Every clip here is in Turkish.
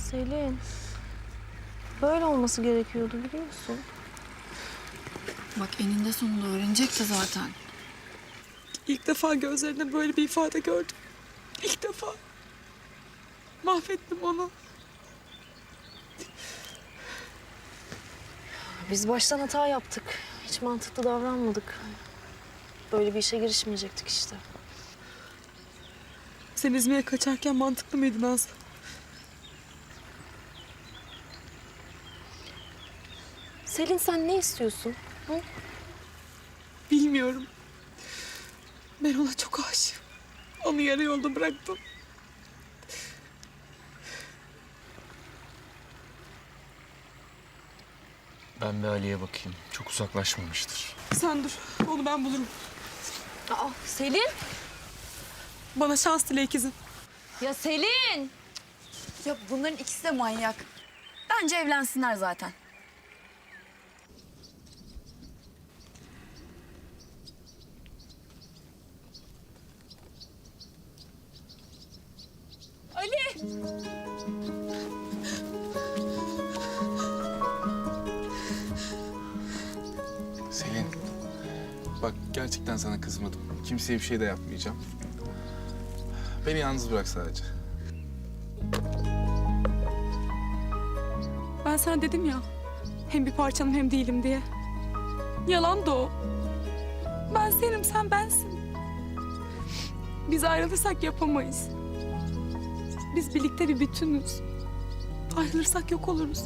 Selin, böyle olması gerekiyordu biliyor musun? Bak eninde sonunda öğrenecekti zaten. İlk defa gözlerinde böyle bir ifade gördüm. İlk defa. Mahvettim onu. Biz baştan hata yaptık. Hiç mantıklı davranmadık. Böyle bir işe girişmeyecektik işte. Sen İzmir'e kaçarken mantıklı mıydın Nazlı? Selin sen ne istiyorsun? Hı? Bilmiyorum. Ben ona çok aşığım. Onu yarı yolda bıraktım. Ben bir Ali'ye bakayım. Çok uzaklaşmamıştır. Sen dur. Onu ben bulurum. Aa, Selin! Bana şans dile ikizim. Ya Selin! Ya bunların ikisi de manyak. Bence evlensinler zaten. Ali! Selin, bak gerçekten sana kızmadım. Kimseye bir şey de yapmayacağım. Beni yalnız bırak sadece. Ben sana dedim ya. Hem bir parçanım hem değilim diye. Yalan da o. Ben senim, sen bensin. Biz ayrılırsak yapamayız. Biz birlikte bir bütünüz. Ayrılırsak yok oluruz.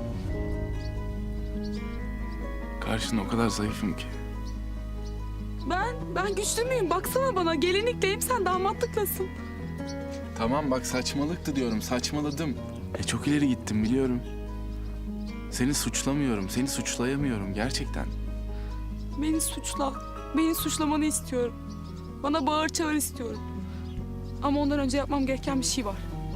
Karşında o kadar zayıfım ki. Ben güçlü müyüm? Baksana bana. Gelinlikleyim, sen damatlıklasın. Tamam bak saçmalıktı diyorum, saçmaladım. Çok ileri gittim biliyorum. Seni suçlamıyorum, seni suçlayamıyorum gerçekten. Beni suçla. Beni suçlamanı istiyorum. Bana bağır çağır istiyorum. Ama ondan önce yapmam gereken bir şey var.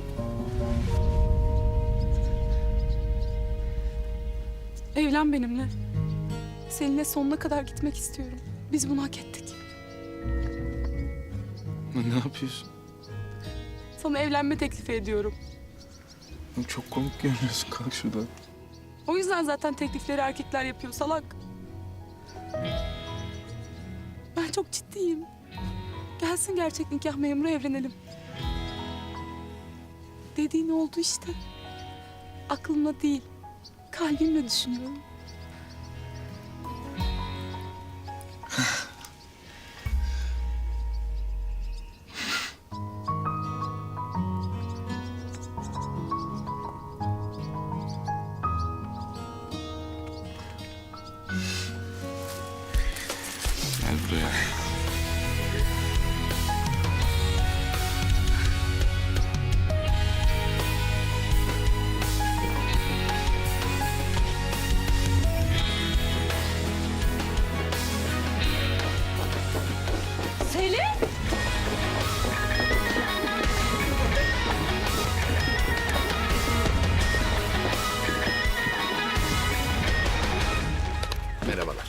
Evlen benimle. Seninle sonuna kadar gitmek istiyorum. Biz bunu hak ettik. Ne yapıyorsun? Sana evlenme teklifi ediyorum. Çok komik görünüyorsun, kalk şuradan. O yüzden zaten teklifleri erkekler yapıyor salak. Ben çok ciddiyim. Gelsin gerçek nikah memuru evlenelim. Dediğin oldu işte. Aklımla değil, kalbimle düşünüyorum. Gel buraya. Selin! Merhabalar.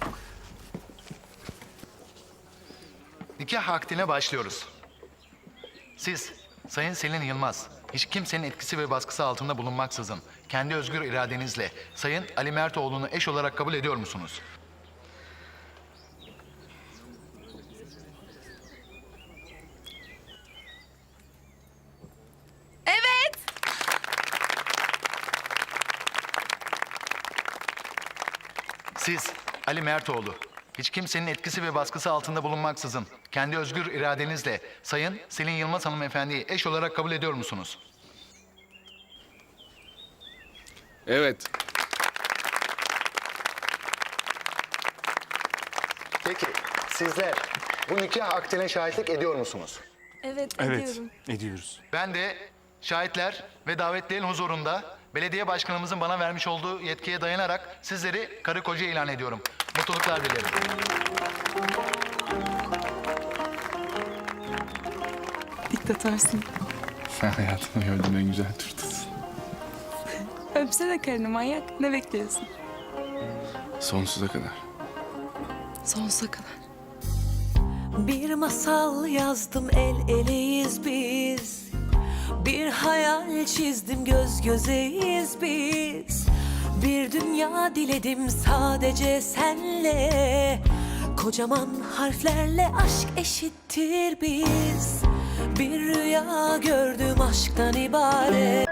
Nikah akdine başlıyoruz. Siz, Sayın Selin Yılmaz, hiç kimsenin etkisi ve baskısı altında bulunmaksızın kendi özgür iradenizle Sayın Ali Mertoğlu'nu eş olarak kabul ediyor musunuz? Evet. Siz, Ali Mertoğlu, hiç kimsenin etkisi ve baskısı altında bulunmaksızın kendi özgür iradenizle Sayın Selin Yılmaz hanımefendiyi eş olarak kabul ediyor musunuz? Evet. Peki, sizler bu nikah akdine şahitlik ediyor musunuz? Evet, Evet, ediyorum. ediyoruz. Ben de şahitler ve davetlilerin huzurunda belediye başkanımızın bana vermiş olduğu yetkiye dayanarak sizleri karı koca ilan ediyorum. Mutluluklar dilerim. Diktatarsın. Sen hayatımda gördüğüm en güzel turtasın. Öpsene karını manyak. Ne bekliyorsun? Sonsuza kadar. Sonsuza kadar. Bir masal yazdım, el eleyiz biz. Bir hayal çizdim, göz gözeyiz biz. Bir dünya diledim sadece senle. Kocaman harflerle aşk eşittir biz. Bir rüya gördüm aşktan ibaret.